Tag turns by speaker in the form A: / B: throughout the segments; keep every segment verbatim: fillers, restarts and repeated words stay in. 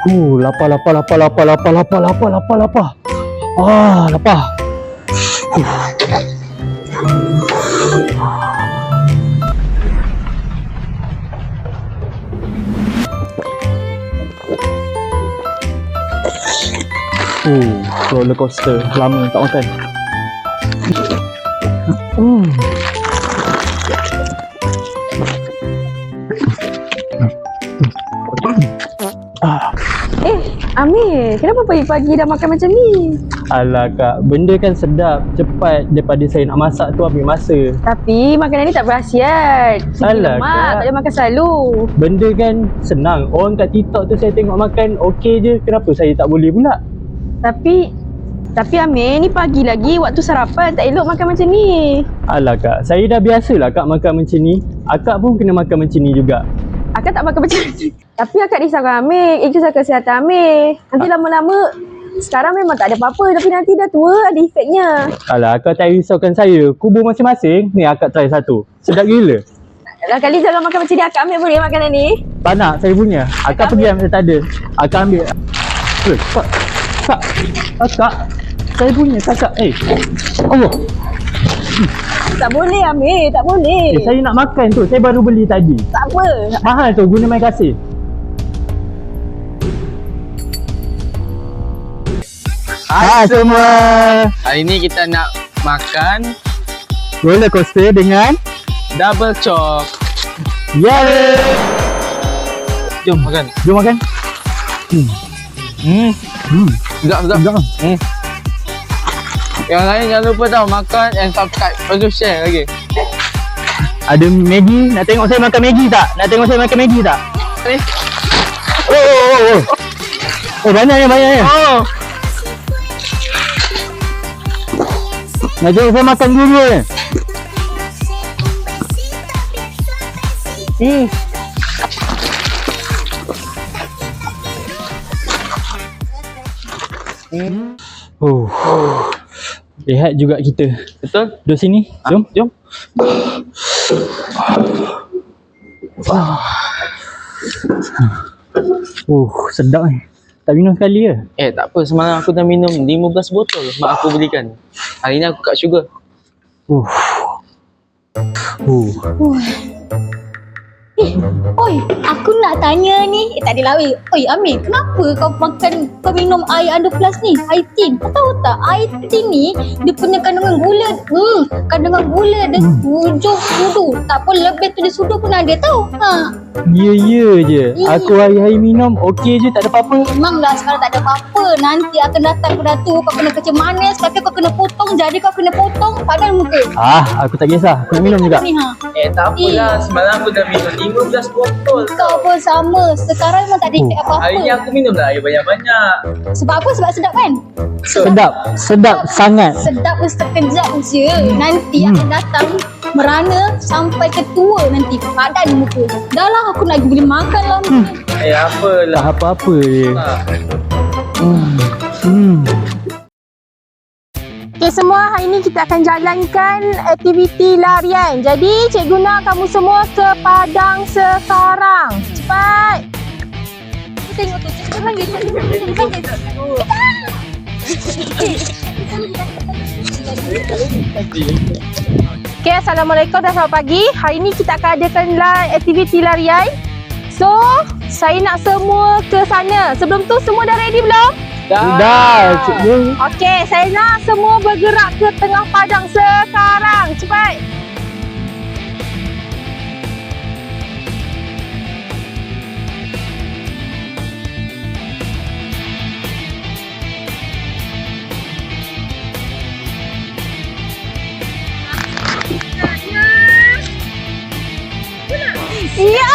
A: Uh, lapar, lapar, lapar, lapar, lapar, lapar, lapar, lapar, lapar. Ah, lapar. Uh, roller coaster. Lama tak makan. Hmm. Ah.
B: Eh, Amir, kenapa pagi-pagi dah makan macam ni?
A: Alah kak, benda kan sedap, cepat daripada saya nak masak tu ambil masa.
B: Tapi makanan ni tak berkhasiat. Segi
A: Alah,
B: lemak,
A: Kak.
B: tak boleh makan selalu.
A: Benda kan senang, orang kat TikTok tu saya tengok makan okey je, kenapa saya tak boleh pula?
B: Tapi, tapi Amir, ni pagi lagi, waktu sarapan, tak elok makan macam ni.
A: Alah kak, saya dah biasalah kak makan macam ni. Akak pun kena makan macam ni juga.
B: Akak tak makan macam ni. Tapi akak risaukan Amir, itu risau kesihatan Amir. Nanti lama-lama, sekarang memang tak ada apa-apa, tapi nanti dah tua, ada efeknya.
A: Alah, akak tak risaukan saya. Kubur masing-masing, ni akak try satu. Sedap gila.
B: Dah kali jangan makan macam ni, akak ambil boleh makanan ni?
A: Tak nak, saya punya. Akak pergi ambil, saya tak ada. Akak ambil. Eh, kak. Kak. Akak. Saya punya, kakak. Eh. Allah.
B: Tak boleh Amir, tak boleh.
A: Eh, saya nak makan tu. Saya baru beli tadi.
B: Tak apa.
A: Mahal tu, guna main kasih. Hai semua.
C: Hari ni kita nak makan
A: Roller coaster dengan
C: double chop.
A: Yeay.
C: Jom makan.
A: Jom makan. Hmm.
C: Hmm.
A: Hmm.
C: Sedap, sedap.
A: Sedap.
C: Hmm. Yang lain jangan lupa tau makan and subscribe. Lepas tu share lagi.
A: Ada Maggi. Nak tengok saya makan Maggi tak? Nak tengok saya makan Maggi tak?
C: Ni.
A: Oh, oh, oh, oh. Oh, banyaknya, banyaknya.
C: Oh.
A: Nak tengok saya makan dulu ni. Hmm.
C: Hmm.
A: Oh. Rehat juga kita.
C: Betul?
A: Duduk sini. Jom.
C: Jom.
A: Oh, sedap ni. Tak minum sekali ke?
C: Eh tak apa, semalam aku dah minum lima belas botol mak aku belikan. Hari ni aku kat sugar.
A: Uh. Uh.
D: Eh, oi, aku nak tanya ni. Eh, tak adalah weh. Oi, Amir, kenapa kau makan, kau minum air under plus ni? Air tin. Kau tahu tak, air tin ni, dia punya kandungan gula, hmm, kandungan gula dia tujuh sudu. Tak pun lebih tujuh sudu pun ada tau. Ha.
A: Ya, ya je.
D: Ya.
A: Aku hari-hari minum, okey je, tak ada apa-apa.
D: Memanglah sekarang tak ada apa-apa. Nanti akan datang pada tu, kau kena kerja manis, kaki kau kena potong, jadi kau kena potong, padan muka.
A: Ah, aku tak kisah. Aku nak minum juga.
D: Ni, ha.
C: Eh tak apalah, semalam aku dah minum lima belas botol.
D: Kau pun sama. Sekarang memang tak ada efek apa-apa.
C: Hari ni aku minum dah air banyak-banyak.
D: Sebab apa? Sebab sedap kan?
A: Sedap. Sedap sangat.
D: Sedap pun sekejap je. Nanti
A: Hmm.
D: akan datang merana sampai ke tua nanti. Padan muka. Dah lah aku nak pergi makan lah.
A: Hmm.
C: Eh apalah.
A: Tak apa-apa je.
C: Ha.
A: Hmm. Hmm.
B: Okay semua, hari ni kita akan jalankan aktiviti larian. Jadi cikgu nak kamu semua ke Padang sekarang. Cepat.
D: Tengok tu. Cepat panggil. Cepat panggil tu.
B: Okay, Assalamualaikum dan selamat pagi. Hari ni kita akan adakan la- aktiviti larian. So, saya nak semua ke sana. Sebelum tu semua dah ready belum?
A: Dah, cikgu.
B: Okey, saya nak semua bergerak ke tengah padang sekarang. Cepat. Ya.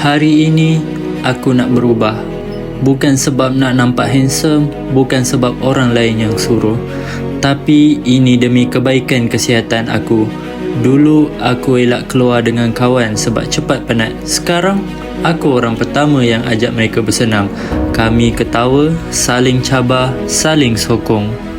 E: Hari ini aku nak berubah. Bukan sebab nak nampak handsome, bukan sebab orang lain yang suruh, tapi ini demi kebaikan kesihatan aku. Dulu aku elak keluar dengan kawan sebab cepat penat. Sekarang aku orang pertama yang ajak mereka bersenam. Kami ketawa, saling cabar, saling sokong.